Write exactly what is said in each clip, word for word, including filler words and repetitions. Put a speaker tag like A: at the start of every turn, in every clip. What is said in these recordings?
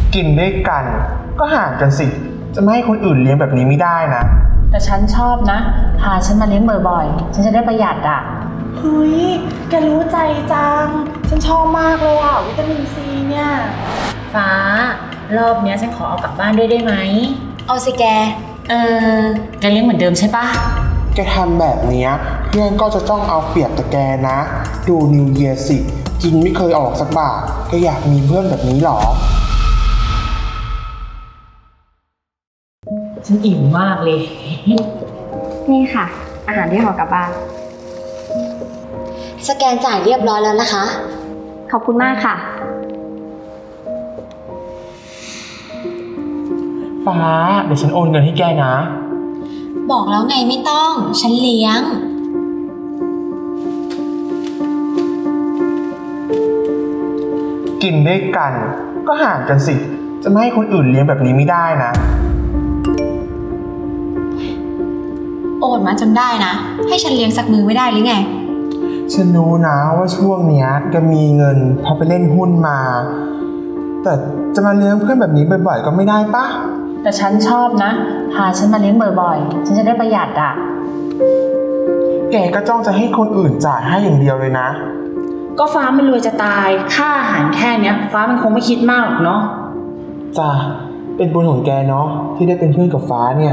A: กินด้วยกันก็ห่างกันสิจะไม่ให้คนอื่นเลี้ยงแบบนี้ไม่ได้นะ
B: แต่ฉันชอบนะพาฉันมาเลี้ยงบ่อยๆฉันจะได้ประหยัดอ่ะ
C: เฮ้ยแกรู้ใจจังฉันชอบมากเลยอ่ะวิตามินซีเนี่ย
B: ฟ้ารอบเนี้ยฉันขอเอากลับบ้านด้วยได้ไหม
D: เอาสิแก
B: เออแกเลี้ยงเหมือนเดิมใช่ปะ
A: แกทำแบบนี้เพื่อนก็จะจ้องเอาเปรียบแต่แกนะดูนิวเยียร์สิกินไม่เคยออกสักบาทก็อยากมีเพื่อนแบบนี้หรอ
B: ฉันอิ่มมากเลย
D: นี่ค่ะอาหารที่ห่อกลับบ้านสแกนจ่ายเรียบร้อยแล้วนะคะขอบคุณมากค่ะ
A: ฟ้าเดี๋ยวฉันโอนเงินให้แกนะ
D: บอกแล้วไงไม่ต้องฉันเลี้ยง
A: กินด้วยกันก็ห่างกันสิจะไม่ให้คนอื่นเลี้ยงแบบนี้ไม่ได้นะ
D: โอนมาจนได้นะให้ฉันเลี้ยงสักมือไม่ได้หรือไง
A: ฉันรู้นะว่าช่วงเนี้ยแกมีเงินพอไปเล่นหุ้นมาแต่จะมาเลี้ยงเพื่อนแบบนี้บ่อยๆก็ไม่ได้ปะ
B: แต่ฉันชอบนะพาฉันมาเลี้ยงบ่อยๆฉันจะได้ประหยัดอ่ะ
A: แกก็จ้องจะให้คนอื่นจ่ายให้อย่างเดียวเลยนะ
B: ก็ฟ้ามันรวยจะตายค่าอาหารแค่เนี้ยฟ้ามันคงไม่คิดมากหรอกเนาะ
A: จ้ะเป็นบุญของแกเนาะที่ได้เป็นเพื่อนกับฟ้าเนี่ย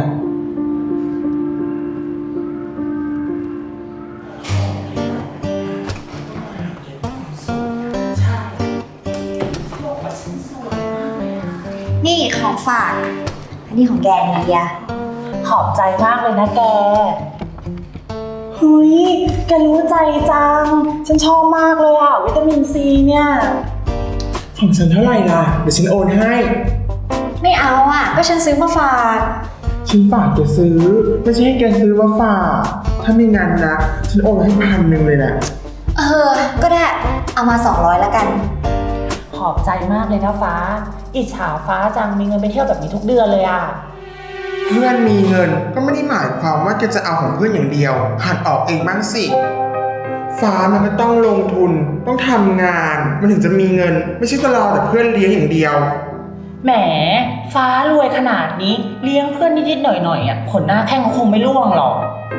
D: นี่ของฝากอันนี้ของแกนะเฮีย
B: ขอบใจมากเลยนะแก
C: เฮ้ยแกรู้ใจจังฉันชอบมากเลยอ่ะวิตามินซีเนี่ย
A: ของฉันเท่าไหร่ล่ะเดี๋ยวฉันโอนให้
D: ไม่เอาอ่ะก็ฉันซื้อมาฝาก
A: ฉันฝากแกซื้อไม่ใช่ให้แกซื้อมาฝากถ้าไม่งั้นนะฉันโอนให้พันหนึ่งเลยแหละ
D: เออก็ได้เอามาสองร้อยแล้วกัน
B: ขอบใจมากเลยนะฟ้าอิจฉาฟ้าจังมีเงินไปเที่ยวแบบนี้ทุกเดือนเลยอ่ะ
A: เพื่อนมีเงินก็ไม่ได้หมายความว่าแกจะเอาของเพื่อนอย่างเดียวหัดออกเองบ้างสิฟ้ามันก็ต้องลงทุนต้องทำงานมันถึงจะมีเงินไม่ใช่ก็รอแต่เพื่อนเลี้ยงอย่างเดียว
B: แหมฟ้ารวยขนาดนี้เลี้ยงเพื่อนนิดๆหน่อยๆอ่ะผลหน้าแข้งเขาคงไม่ร่วงหรอก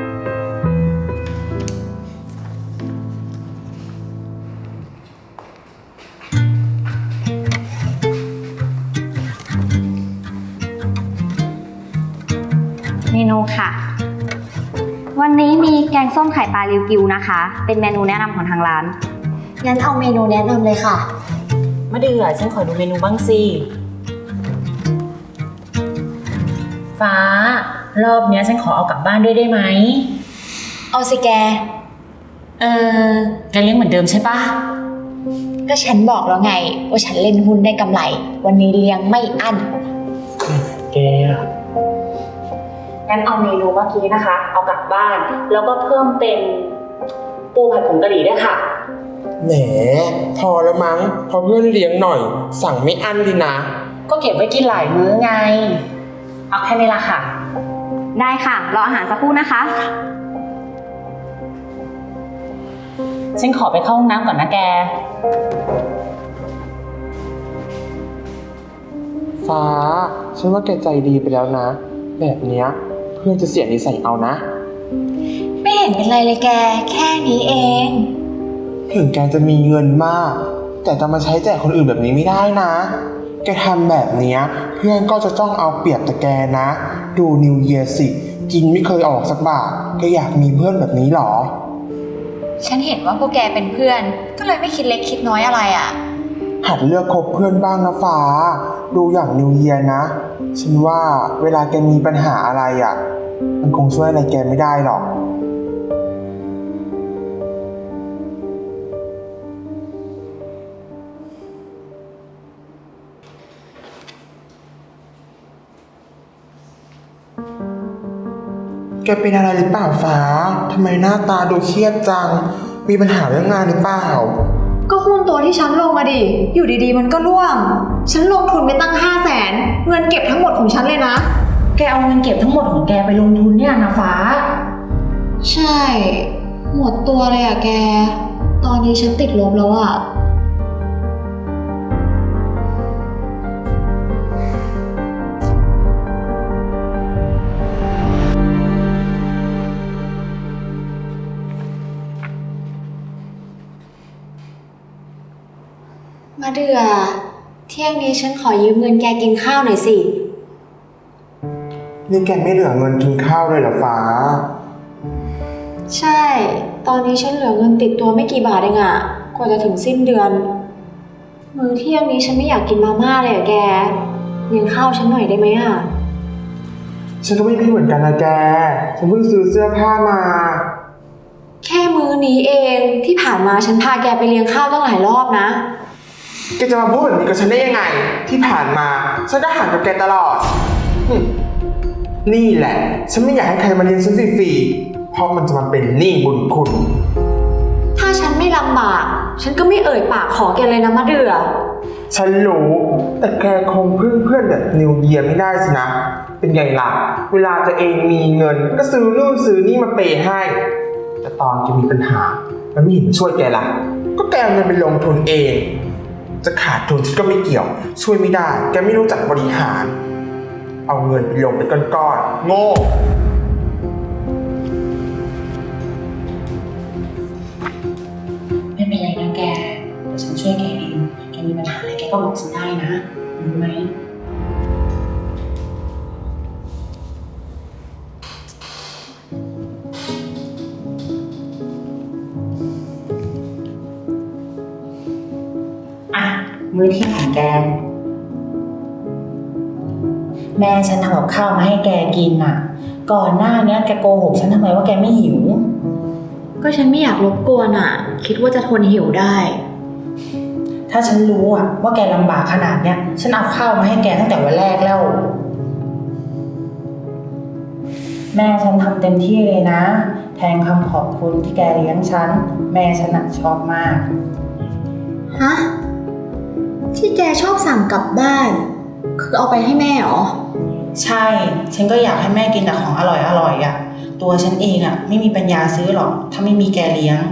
D: เมนูค่ะวันนี้มีแกงส้มไข่ปลาริวกิวนะคะเป็นเมนูแนะนำของทางร้านงั้นเอาเมนูแนะนำเลยค่ะ
B: มะเดื่อฉันขอดูเมนูบ้างสิฟ้ารอบเนี้ยฉันขอเอากลับบ้านด้วยได้ไหม
D: เอาสิแก
B: เออแกเลี้ยงเหมือนเดิมใช่ปะ
D: ก็ฉันบอกแล้วไงว่าฉันเล่นหุ้นได้กำไรวันนี้เลี้ยงไม่อั้น
A: แก
B: งั้นเอาเมนูเมื่อกี้นะคะเอากลับบ้านแล้วก็เพิ่มเป็นปูผัดผงกะหรี่ด้วยค่ะ
A: แหมพอแล้วมั้งพอเพื่อนเลี้ยงหน่อยสั่งไม่อั้นดีนะ
B: ก็เก็บไว้กินหลายมื้อไงเอาแค่นี้ละค่ะ
D: ได้ค่ะรออาหารสักครู่นะคะ
B: ฉันขอไปเข้าห้องน้ำก่อนนะแก
A: ฟ้าฉันว่าแกใจดีไปแล้วนะแบบเนี้ยเพื่อนจะเสียนิสัยเอานะ
D: ไม่เห็นเป็นไรเลยแกแค่นี้เอง
A: ถึงแกจะมีเงินมากแต่จะมาใช้แจกคนอื่นแบบนี้ไม่ได้นะแกทำแบบเนี้ยเพื่อนก็จะจ้องเอาเปรียบแต่แกนะดูนิวเยียร์สิกินไม่เคยออกสักบาทก็อยากมีเพื่อนแบบนี้หรอ
D: ฉันเห็นว่าพวกแกเป็นเพื่อนก็เลยไม่คิดเล็กคิดน้อยอะไรอ่ะ
A: หัดเลือกคบเพื่อนบ้างนะฟ้าดูอย่างนิวเยียร์นะฉันว่าเวลาแกมีปัญหาอะไรอ่ะมันคงช่วยอะไรแกไม่ได้หรอกแกเป็นอะไรหรือเปล่าฟ้าทำไมหน้าตาดูเครียดจังมีปัญหาเรื่องงานหรือเปล่า
D: ก็หุ้นตัวที่ฉันลงมาดิอยู่ดีๆมันก็ร่วงฉันลงทุนไปตั้งห้าแสนเงินเก็บทั้งหมดของฉันเลยนะ
B: แกเอาเงินเก็บทั้งหมดของแกไปลงทุนเนี่ยนะฟ้า
D: ใช่หมดตัวเลยอะแกตอนนี้ฉันติดลบแล้วอะมาเดือเที่ยงนี้ฉันขอยืมเงินแกกินข้าวหน่อยสิ
A: นี่แกไม่เหลือเงินกินข้าวเลยเหรอฟ้า
D: ใช่ ตอนนี้ฉันเหลือเงินติดตัวไม่กี่บาทเองอะกว่าจะถึงสิ้นเดือน มื้อเที่ยงนี้ฉันไม่อยากกินมาม่าเลยอะแกเลี้ยงข้าวฉันหน่อยได้ไหมอะ
A: ฉันก็ไม่มีเหมือนกันนะแก ฉันเพิ่งซื้อเสื้อผ้ามา
D: แค่มื้อนี้เองที่ผ่านมาฉันพาแกไปเลี้ยงข้าวตั้งหลายรอบนะ
A: แกจะมาพูดแบบนี้กับฉันได้ยังไง ที่ผ่านมาฉันก็ห่างกับแกตลอดหึนี่แหละ ฉันไม่อยากให้ใครมาเลี้ยงฉันฟรีๆเพราะมันจะมาเป็นหนี้บุญคุณ
D: ถ้าฉันไม่ลำบากฉันก็ไม่เอ่ยปากขอแกเลยนะมะเดือ
A: ฉันรู้ แต่แกคงพึ่งเพื่อนแบบนิวเยียไม่ได้สินะ เป็นไงล่ะ เวลาตัวเองมีเงินก็ซื้อนู่นซื้อนี่มาเปย์ให้ แต่ตอนแกมีปัญหา มันไม่เห็นมาช่วยแกล่ะ ก็แกเอาเงินไปลงทุนเอง จะขาดทุนฉันก็ไม่เกี่ยว ช่วยไม่ได้ แกไม่รู้จักบริหาร เอาเงินไปลงเป็นก้อนๆโง่
B: ไม่เป็นไรนะแก เดี๋ยวฉันช่วยแกเอง แกมีปัญหาอะไรแกก็บอกฉันได้นะรู้ไหม อ่ะ มื้อเที่ยงของแก แม่ฉันทำกับข้าวมาให้แกกินน่ะ ก่อนหน้านี้แกโกหกฉันทำไมว่าแกไม่หิว
D: ก็ฉันไม่อยากรบกวนอะคิดว่าจะทนหิวได้
B: ถ้าฉันรู้อะว่าแกลำบากขนาดเนี้ย ฉันเอาข้าวมาให้แกตั้งแต่วันแรกแล้ว แม่ฉันทำเต็มที่เลยนะ แทนคำขอบคุณที่แกเลี้ยงฉัน แม่ฉันอะชอบมาก
D: ฮะ ที่แกชอบสั่งกลับบ้าน คือเอาไปให้แม่เหรอ
B: ใช่ ฉันก็อยากให้แม่กินแต่ของอร่อยอร่อยอะตัวฉันเองอะไม่มีปัญญาซื้อหรอก ถ้าไม่มีแกเลี้ยง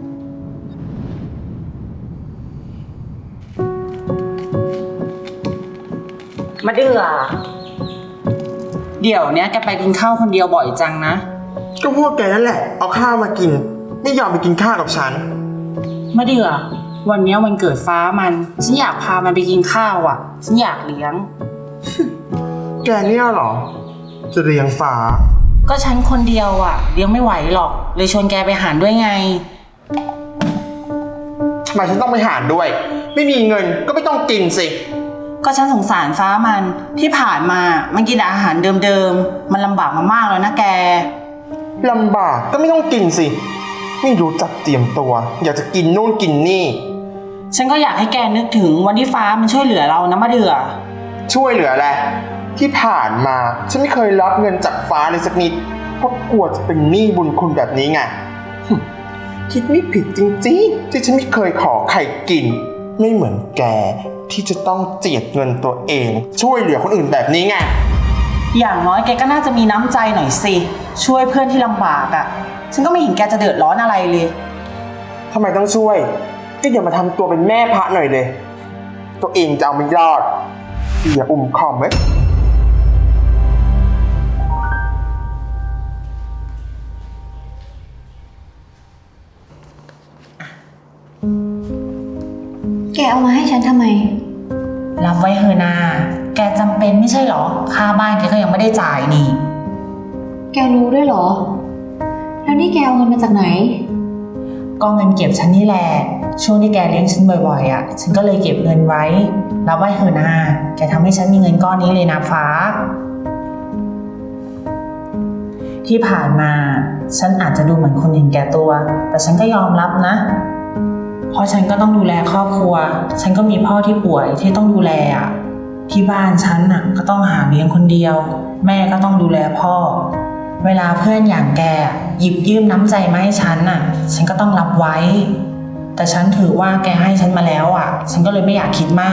B: มาเดือเดี๋ยวเนี้ยแกไปกินข้าวคนเดียวบ่อยจังนะ
A: ก็พวกแกนั่นแหละ เอาข้าวมากิน ไม่ยอมไปกินข้าวกับฉัน
B: มาเดือวันเนี้ยวันเกิดฟ้ามัน ฉันอยากพามันไปกินข้าวอ่ะ ฉันอยากเลี้ยง
A: แกเนี่ยเหรอ จะเลี้ยงฟ้า
B: ก็ฉันคนเดียวอ่ะเลี้ยงไม่ไหวหรอก เลยชวนแกไปหารด้วยไง
A: ทำไมฉันต้องไปหารด้วย ไม่มีเงินก็ไม่ต้องกินสิ
B: ก็ฉันสงสารฟ้ามันที่ผ่านมามันกินอาหารเดิมๆมันลำบากมามากแล้วนะแก
A: ลำบากก็ไม่ต้องกินสิ ไม่รู้จักเตรียมตัว อยากจะกินนู่นกินนี่
B: ฉันก็อยากให้แกนึกถึงวันที่ฟ้ามันช่วยเหลือเรานะมาเดือ
A: ช่วยเหลือแหละที่ผ่านมาฉันไม่เคยรับเงินจากฟ้าเลยสักนิด เพราะกลัวจะเป็นหนี้บุญคุณแบบนี้ไงหึคิดไม่ผิดจริงๆที่ฉันไม่เคยขอใครกิน ไม่เหมือนแกที่จะต้องเจียดเงินตัวเอง ช่วยเหลือคนอื่นแบบนี้ไง
B: อย่างน้อยแกก็น่าจะมีน้ำใจหน่อยสิช่วยเพื่อนที่ลำบากอ่ะฉันก็ไม่เห็นแกจะเดือดร้อนอะไรเลย
A: ทำไมต้องช่วย ก็อย่ามาทำตัวเป็นแม่พระหน่อยเลย ตัวเองจะเอาไม่รอดอย่าอุ่มคอมไว้
D: แกเอามาให้ฉันทำไม
B: รับไว้เฮอนาแกจำเป็นไม่ใช่หรอค่าบ้านแกก็ยังไม่ได้จ่ายนี่
D: แกรู้ด้วยเหรอ แล้วนี่แกเอาเงินมาจากไหน
B: ก็เงินเก็บฉันนี่แหละช่วงที่แกเลี้ยงฉันบ่อยๆอ่ะฉันก็เลยเก็บเงินไว้รับไว้เฮอนาแกทำให้ฉันมีเงินก้อนนี้เลยนะฟ้า ที่ผ่านมาฉันอาจจะดูเหมือนคนเห็นแก่ตัว แต่ฉันก็ยอมรับนะเพราะฉันก็ต้องดูแลครอบครัวฉันก็มีพ่อที่ป่วยที่ต้องดูแลอ่ะที่บ้านฉันน่ะก็ต้องหาเลี้ยงคนเดียวแม่ก็ต้องดูแลพ่อเวลาเพื่อนอย่างแกหยิบยืมน้ำใจมาให้ฉันน่ะฉันก็ต้องรับไว้แต่ฉันถือว่าแกให้ฉันมาแล้วอ่ะฉันก็เลยไม่อยากคิดมาก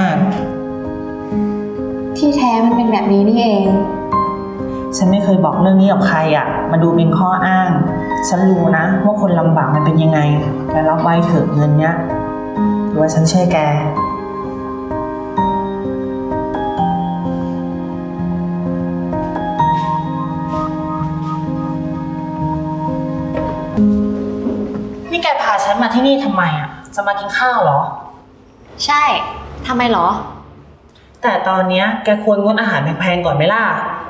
D: ที่แท้มันเป็นแบบนี้นี่เอง
B: ฉันไม่เคยบอกเรื่องนี้กับใครอ่ะมาดูเป็นข้ออ้างฉันรู้นะว่าคนลำบากมันเป็นยังไงแกรับไว้เถอะเงินเนี้ยถือว่าฉันช่วยแกนี่แกพาฉันมาที่นี่ทำไมอ่ะจะมากินข้าวเหรอ
D: ใช่ทำไมเหรอ
B: แต่ตอนเนี้ยแกควรงดอาหารแพงๆก่อนไหมล่ะ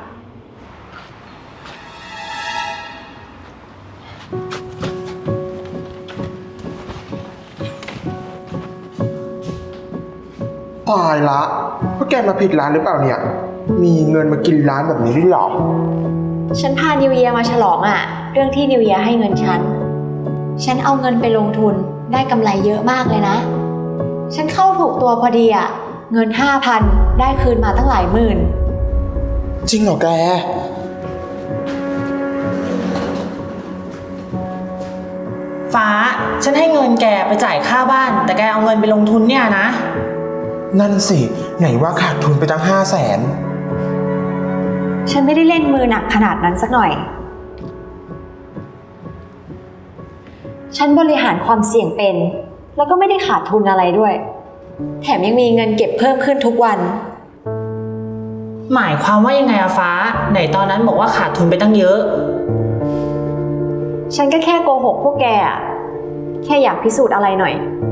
A: ตายละพวกแกมาผิดร้านหรือเปล่าเนี่ย มีเงินมากินร้านแบบนี้ด้วยเหรอ
D: ฉันพานิวเยียมาฉลองอะเรื่องที่นิวเยียให้เงินฉัน ฉันเอาเงินไปลงทุนได้กำไรเยอะมากเลยนะ ฉันเข้าถูกตัวพอดีอะเงินห้าพันได้คืนมาตั้งหลายหมื่น
A: จริงเหรอแก
B: ฟ้า ฉันให้เงินแกไปจ่ายค่าบ้าน แต่แกเอาเงินไปลงทุนเนี่ยนะ
A: นั่นสิ ไหนว่าขาดทุนไปตั้งห้าแสน
D: ฉันไม่ได้เล่นมือหนักขนาดนั้นสักหน่อย ฉันบริหารความเสี่ยงเป็น แล้วก็ไม่ได้ขาดทุนอะไรด้วย แถมยังมีเงินเก็บเพิ่มขึ้นทุกวัน
B: หมายความว่ายังไงอะฟ้า ไหนตอนนั้นบอกว่าขาดทุนไปตั้งเยอะ
D: ฉันก็แค่โกหกพวกแกอะแค่อยากพิสูจน์อะไรหน่อย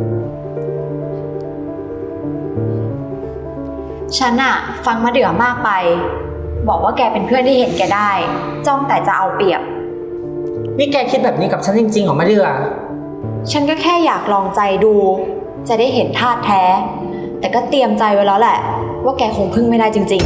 D: ฉันอะฟังมะเดื่อมากไป บอกว่าแกเป็นเพื่อนที่เห็นแกได้ จ้องแต่จะเอาเปรียบ
B: นี่แกคิดแบบนี้กับฉันจริงๆเหรอมะเดือ
D: ฉันก็แค่อยากลองใจดู จะได้เห็นท่าแท้ แต่ก็เตรียมใจไว้แล้วแหละ ว่าแกคงพึ่งไม่ได้จริง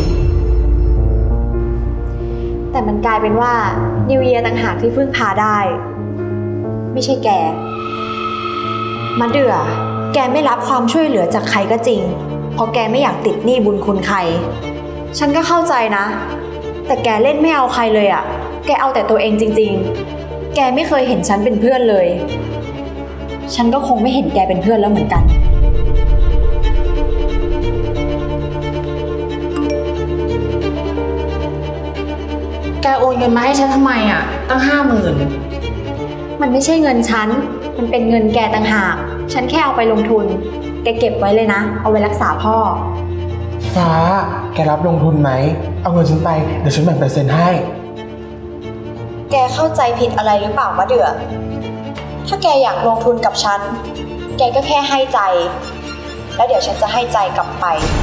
D: ๆ แต่มันกลายเป็นว่านิวเยียต่างหากที่พึ่งพาได้ ไม่ใช่แกมะเดื่อแกไม่รับความช่วยเหลือจากใครก็จริง เพราะแกไม่อยากติดหนี้บุญคุณใคร ฉันก็เข้าใจนะ แต่แกเล่นไม่เอาใครเลยอะแกเอาแต่ตัวเองจริงๆ แกไม่เคยเห็นฉันเป็นเพื่อนเลย ฉันก็คงไม่เห็นแกเป็นเพื่อนแล้วเหมือนกัน
B: แกโอนเงินมาให้ฉันทำไมอะตั้งห้าหมื่น
D: มันไม่ใช่เงินฉัน มันเป็นเงินแกต่างหาก ฉันแค่เอาไปลงทุน แกเก็บไว้เลยนะ เอาไว้รักษาพ่อ
A: ฟ้า แกรับลงทุนไหม เอาเงินฉันไป เดี๋ยวฉันแบ่งเปอร์เซ็นต์ให้
D: แกเข้าใจผิดอะไรหรือเปล่ามะเดือ ถ้าแกอยากลงทุนกับฉัน แกก็แค่ให้ใจ แล้วเดี๋ยวฉันจะให้ใจกลับไป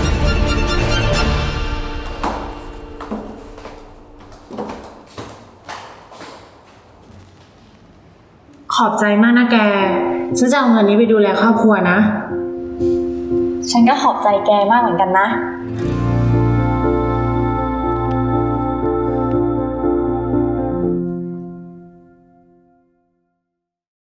B: ขอบใจมากนะแก ฉันจะเอาเงินนี้ไปดูแลครอบครัวนะ
D: ฉันก็ขอบใจแกมากเหมือนกันนะ